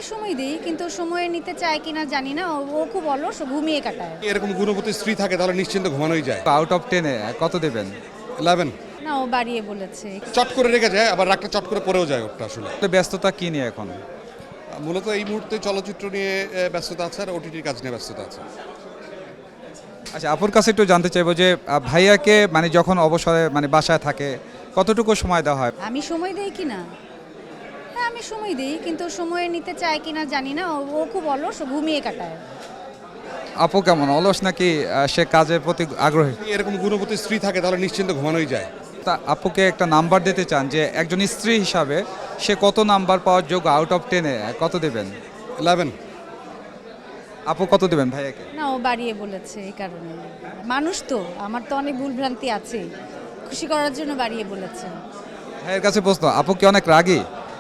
সময় দিই, কিন্তু সময় নিতে চায় কিনা জানি না। ও খুব অলস, ও ঘুমিয়ে কাটায়। এরকম গুণবতী স্ত্রী থাকে তাহলে নিশ্চিন্ত ঘুমানোই যায়। আউট অফ 10-এ কত দেবেন? 11। না, ও বাড়িয়ে বলেছে। চট করে রেখে যায়, আবার রাগটা চট করে পড়েও যায় ওটা আসলে। তো ব্যস্ততা কি নিয়ে এখন? মূলত এই মুহূর্তে চলচ্চিত্র নিয়ে ব্যস্ততা আছে আর ওটিটির কাজ নিয়ে ব্যস্ততা আছে। আচ্ছা, আপুর কাছে একটু জানতে চাইবো যে ভাইয়াকে মানে যখন অবসরে মানে বাসায় থাকে কতটুকু সময় দেওয়া হয়? আমি সময় দেই কিনা? হ্যাঁ, আমি সময় দিই, কিন্তু সময় নিতে চায় কিনা জানি না। ও খুব অলস, ও ঘুমিয়ে কাটায়। আপু কেমন, অলস নাকি সে কাজের প্রতি আগ্রহী? এরকম গুণবতী স্ত্রী থাকে তাহলে নিশ্চিন্ত ঘুমানোই যায়। তা আপুকে একটা নাম্বার দিতে চান যে একজন স্ত্রী হিসাবে সে কত নাম্বার পাওয়ার যোগ্য? আউট অফ 10-এ কত দেবেন? 11। আপু কত দেবেন ভাইয়াকে? না, ও বাড়িয়ে বলেছে, এই কারণে। মানুষ তো, আমার তো অনেক ভুলভ্রান্তি আছে, খুশি করার জন্য বাড়িয়ে বলেছে। ভাইয়ের কাছে প্রশ্ন, আপু কি অনেক রাগী?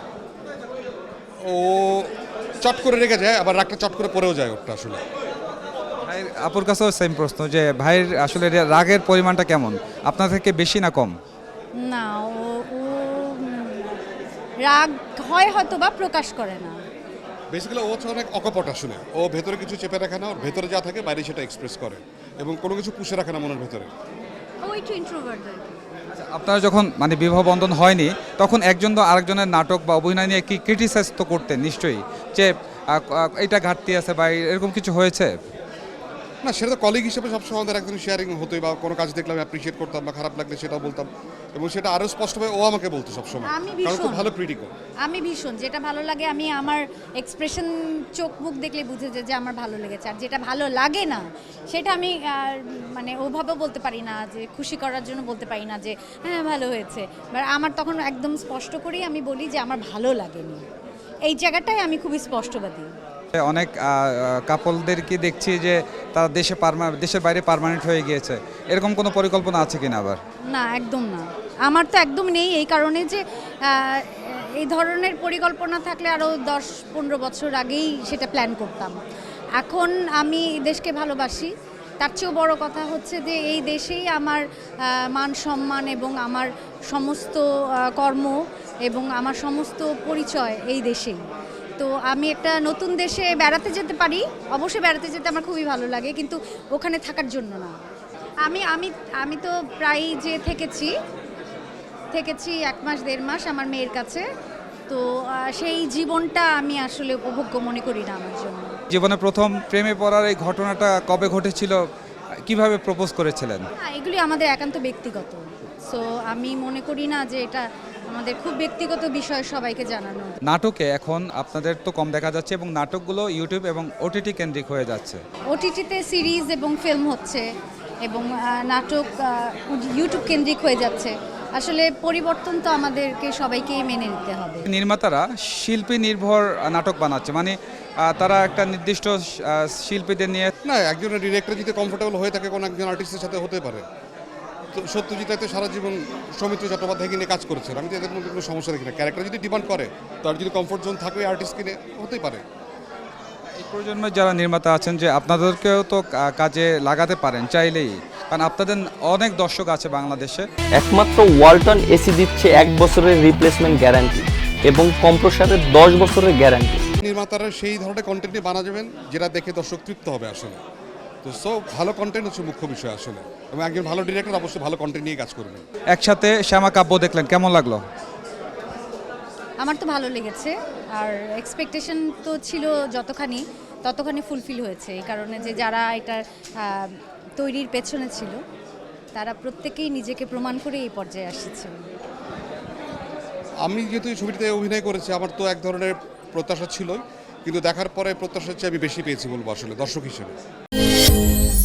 ও চট করে রেখে যায়, আবার রাগটা চট করে পড়েও যায় ওটা আসলে। ভাইয়ের আপুর কাছেও সেম প্রশ্ন যে ভাইয়ের আসলে রাগের পরিমাণটা কেমন, আপনার থেকে বেশি না কম? না, ও রাগ হয় হয়তো বা প্রকাশ করে না। বেসিক্যালি ও হচ্ছে অনেক অকপট আসলে। ও ভেতরে কিছু চেপে রাখে না, ওর ভেতরে যা থাকে বাইরে সেটা এক্সপ্রেস করে এবং কোনো কিছু পুষে রাখে না মনের ভেতরে। ও একটু ইন্ট্রোভার্ট। আপনারা যখন মানে বিবাহ বন্ধন হয়নি তখন একজন তো আরেকজনের নাটক বা অভিনয় নিয়ে কি ক্রিটিসাইজ তো করতেন নিশ্চয়ই, যে এটা ঘাটতি আছে বা এরকম কিছু হয়েছে? না, সেটা তো কলিগ হিসেবে সবসময় আমাদের একজন শেয়ারিং হতোই, বা কোনো কাজ দেখলে আমি অ্যাপ্রিসিয়েট করতাম, বা খারাপ লাগলে সেটাও বলতাম, এবং সেটা আরও স্পষ্টভাবে ও আমাকে বলতো সবসময়। আমি কারণ খুব ভীষণ ভালো ক্রিটিকও। আমি ভীষণ যেটা ভালো লাগে, আমি আমার এক্সপ্রেশন, চোখ মুখ দেখলে বুঝে যায় যে আমার ভালো লেগেছে। আর যেটা ভালো লাগে না সেটা আমি মানে ওভাবে বলতে পারি না, যে খুশি করার জন্য বলতে পারি না যে হ্যাঁ ভালো হয়েছে। আমার তখন একদম স্পষ্ট করেই আমি বলি যে আমার ভালো লাগেনি। এই জায়গাটায় আমি খুবই স্পষ্টবাদী। অনেক কাপলদেরকে দেখছি যে তারা দেশের বাইরে পার্মানেন্ট হয়ে গিয়েছে, এরকম কোনো পরিকল্পনা আছে কিনা আবার? না, একদম না। আমার তো একদম নেই, এই কারণে যে এই ধরনের পরিকল্পনা থাকলে আরও 10-15 বছর আগেই সেটা প্ল্যান করতাম। এখন আমি দেশকে ভালোবাসি। তার চেয়েও বড় কথা হচ্ছে যে এই দেশেই আমার মান সম্মান এবং আমার সমস্ত কর্ম এবং আমার সমস্ত পরিচয় এই দেশেই। তো আমি একটা নতুন দেশে বেড়াতে যেতে পারি, অবশ্যই বেড়াতে যেতে আমার খুবই ভালো লাগে, কিন্তু ওখানে থাকার জন্য না। আমি আমি আমি তো প্রায় যে থেকেছি 1 মাস 1.5 মাস আমার মেয়ের কাছে। তো সেই জীবনটা আমি আসলে উপভোগ্য মনে করি না আমার জন্য। জীবনে প্রথম প্রেমে পড়ার এই ঘটনাটা কবে ঘটেছিল, কিভাবে প্রপোজ করেছিলেন? এগুলি আমাদের একান্ত ব্যক্তিগত। সো আমি মনে করি না যে এটা আমাদের খুব ব্যক্তিগত বিষয় সবাইকে জানানো। নাটকে এখন আপনাদের তো কম দেখা যাচ্ছে এবং নাটকগুলো ইউটিউব এবং ওটিটি কেন্দ্রিক হয়ে যাচ্ছে। ওটিটিতে সিরিজ এবং ফিল্ম হচ্ছে এবং নাটক ইউটিউব কেন্দ্রিক হয়ে যাচ্ছে। আসলে পরিবর্তন তো আমাদেরকে সবাইকেই মেনে নিতে হবে। নির্মাতারা শিল্পী নির্ভর নাটক বানাচ্ছে, মানে তারা একটা নির্দিষ্ট শিল্পীদের নিয়ে। না, একজন ডিরেক্টর যদি কমফোর্টেবল হয়ে থাকে কোনো একজন আর্টিস্টের সাথে হতে পারে। তো সত্যজিৎ রায় তো সারা জীবন সৌমিত্র চট্টোপাধ্যায়কে নিয়ে কাজ করেছেন। আমি তো এদের মধ্যে কোনো সমস্যা দেখি না। ক্যারেক্টার যদি ডিমান্ড করে, তার যদি কমফোর্ট জোন থাকে আর্টিস্টকে নিয়ে, হতেই পারে। এই প্রজন্মের যারা নির্মাতা আছেন যে আপনাদেরকেও তো কাজে লাগাতে পারেন চাইলেই, কারণ আপনাদের অনেক দর্শক আছে বাংলাদেশে। একমাত্র ওয়ালটন এসি দিচ্ছে 1 বছরের রিপ্লেসমেন্ট গ্যারান্টি এবং কম্প্রেসারের 10 বছরের গ্যারান্টি। নির্মাতারা সেই ধরনের কন্টেন্ট নিয়ে বানাবেন যেটা দেখে দর্শক তৃপ্ত হবে আসলে। তো ভালো কন্টেন্ট হচ্ছে মুখ্য বিষয় আসলে, এবং একজন ভালো ডিরেক্টর অবশ্যই ভালো কন্টেন্ট নিয়ে কাজ করবেন। একসাথে শ্যামা কাব্য দেখলেন, কেমন লাগলো? আমার তো ভালো লেগেছে। আর এক্সপেকটেশন তো ছিল ততখানি ফুলফিল হয়েছে। এই কারণে যে যারা এটা তৈরির পেছনে ছিল তারা প্রত্যেকেই নিজেকে প্রমাণ করে এই পর্যায়ে আসছে। আমি যেহেতু এই ছবিটিতে অভিনয় করেছি, আমার তো এক ধরনের প্রত্যাশা ছিলই, কিন্তু দেখার পরে প্রত্যাশার চেয়ে আমি বেশি পেয়েছি বলবো আসলে দর্শক হিসেবে।